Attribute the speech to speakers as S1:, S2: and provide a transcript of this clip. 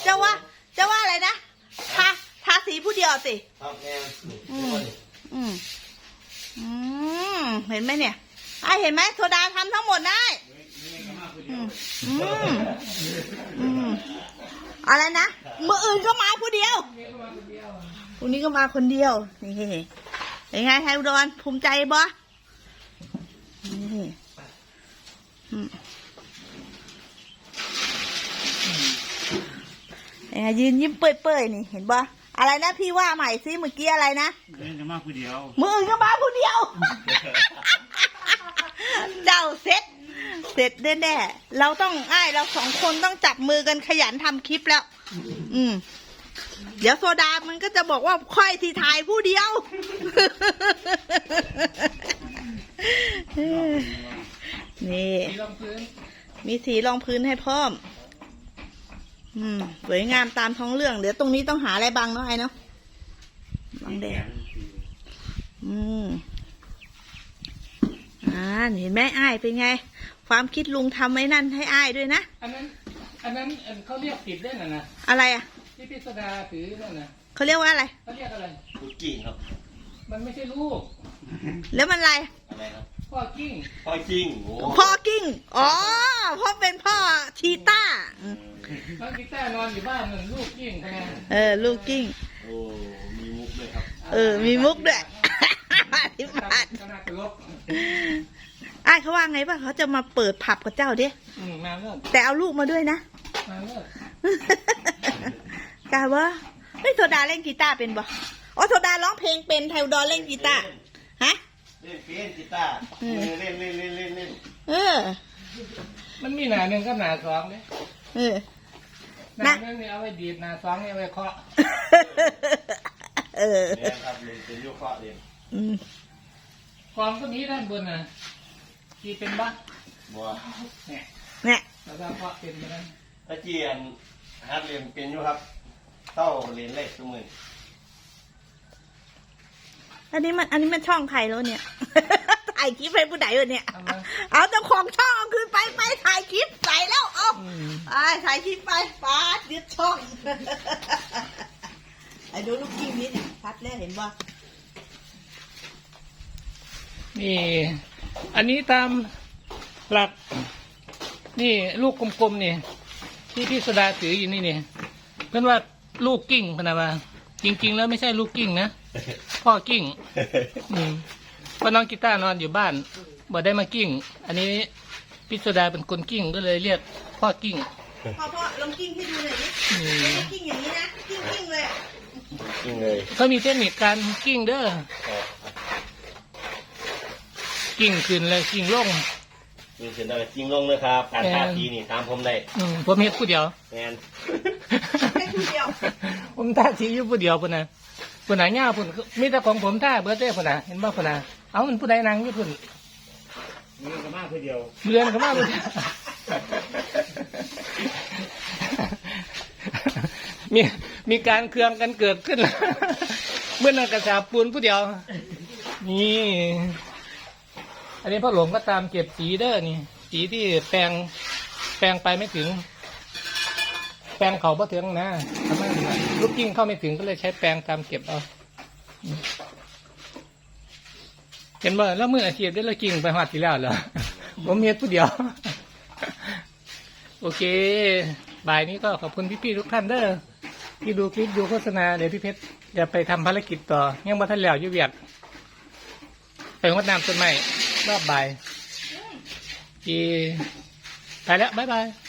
S1: จะว่าอะไรนะทาสีผู้เดียวสิ
S2: ครับแม่
S1: เห็นไหมเนี่ยไอเห็นไหมโซดาทำทั้งหมดได้อะไรนะมืออื่นก็มาผู้เดียววันนี้ก็มาคนเดียวนี่เป็นไงไทยอุดรภูมิใจบ่นี่ยืนยิ้มเปื่อยๆนี่เห็นบ่อะไรนะพี่ว่าใหม่ซิเมื่อกี้อะไรนะ
S3: มืออื่นก็มาผู้เดียว
S1: เจ้าเสร็จแน่ๆเราต้องเราสองคนต้องจับมือกันขยันทำคลิปแล้วเดี๋ยวโซดามันก็จะบอกว่าค่อยที่ถ่ายผู้เดียวนี่มีสีรองพื้นให้พร้อมสวยงามตามท้องเรื่องเดี๋ยวตรงนี้ต้องหาอะไรบังเนาะไอ้เนาะบังแดดเห็นไหมอ้ายเป็นไงความคิดลุงทำไว้นั่นให้อ้ายด้วยนะ
S4: อันนั้นเขาเรียกผิดได้น่ะนะ
S1: อะไรอ่ะ
S4: ที่พิสดาถือนั่นนะ
S1: เขาเรียกว่าอะไร
S4: เขาเรียกอะไร
S2: ลูกกิ้งครับ
S4: มันไม่ใช่ลูก
S1: แล้วมันอะไร
S2: ครับ
S4: พ่อกิ้ง
S1: พ่อกิ้งอ๋อพ่อเป็นพ่อชีต้า
S4: น้องกีต้านอนอยู่บ้านนั่นลูกกิ้งใช่ไหม
S1: ลูกกิ้ง
S2: โอ้มีมุกด้วยครับ
S1: มีมุกด้วย
S4: ที่บ้านก็น่าตลก
S1: เขาว่าไงป่ะเขาจะมาเปิดผับกับเจ้าดิ
S4: มาเลิก
S1: แต่เอาลูกมาด้วยนะ
S4: มาเลิก
S1: กาว่าไม่โซดาเล่นกีตาร์เป็นบ่อ๋อโซดาร้องเพลงเป็นไทยอุดรเล่นกีตาร์ฮะ
S2: เล่นกีตาร์เล่น
S4: มันมีหนาหนึ่งกับหนาสองเนี่ยหนาหนึ่งเนี่ยเอาไว้ดีดหนาสองเนี่ยเอาไว้เคาะ
S2: เนี่ยครับเล่นเป็นยุคเคาะเล่น
S4: กองก็มีด้านบนน่ะที่เป็นบ้า
S2: บัว
S1: เนี่ย
S4: แล้วก็เคาะเป็นไปนั้น
S2: ตะเกียนฮัดเล่นเป็นอยู่ครับเต้าเล่นเล็กทุกมือ
S1: อันนี้มันช่องใครแล้วเนี่ยถ่ายคลิปให้ผู้ใดวะเนี่ยเอาเจ้าของช่องเอาคืนไปถ่ายคลิปใส่แล้วเอาถ่ายคลิปไปป้ายึดช่องไอ้ดูลูกกิ้งนี้เนี่ยชัดแล้วเห็นป่ะ
S4: นี่อันนี้ตามหลักนี่ลูกกลมๆนี่ที่พี่สดาถืออยู่นี่เนี่ยเพื่อนว่าลูกกิ้งพนะว่าจริงๆแล้วไม่ใช่ลูกกิ้งนะพ่อกิ้งเพราะน้องกีตาร์นอนอยู่บ้านบ่ได้มากิ้งอันนี้พี่สดาเป็นคนกิ้งก็เลยเรียกพ่อกิ้ง
S1: พ่อลองกิ้งให้ดูหน่อยดิกิ้งอย่างนี้นะกิ้งเลย
S4: เขามีเทคนิคการกิ้งเด้อกิ้งขึ้นเลยกิ้งลง
S2: กิ้งขึ้นแล้วกิ้งลงเลยครับการท่าทีนี่ตามผมได้
S4: ผมเฮ็ดผู้เดียว
S2: แมน
S1: ผู้เดียว
S4: ผมท่าทีอยู่ผู้เดียวพุ่นนะพุ่นน่ะย่าพุ่นมีแต่ของผมท่าเบอร์เต้พุ่นน่ะเห็นบ่พุ่นน่ะเอามันผู้ใดนั่งอยู่พุ่น
S3: เรือนก็มาผู้เดียว
S4: มีการเครื่องกันเกิดขึ้นเมื่อนั้นกระสาปูนผู้เดียวนี่อันนี้พ่อหลวงก็ตามเก็บสีเด้อนี่สีที่แปลงไปไม่ถึงแปลงเขาพอถึงนะทำไมลูกกิ้งเข้าไม่ถึงก็เลยใช้แปลงตามเก็บเอาเห็นบ่แล้วมืออาชีพได้ละกิ้งไปหอดทีแล้วเหรอผมเมียผู้เดียวโอเคบ่ายนี้ก็ขอบคุณพี่ๆทุกท่านเด้อที่ดูคลิปดูโฆษณาเดี๋ยวพี่เพชรจะไปทำภารกิจต่อยังบ่ทันแล้วอยู่เวียดไปงดน้ำต้นไม้รอบบ่ายไปแล้วบ๊ายบาย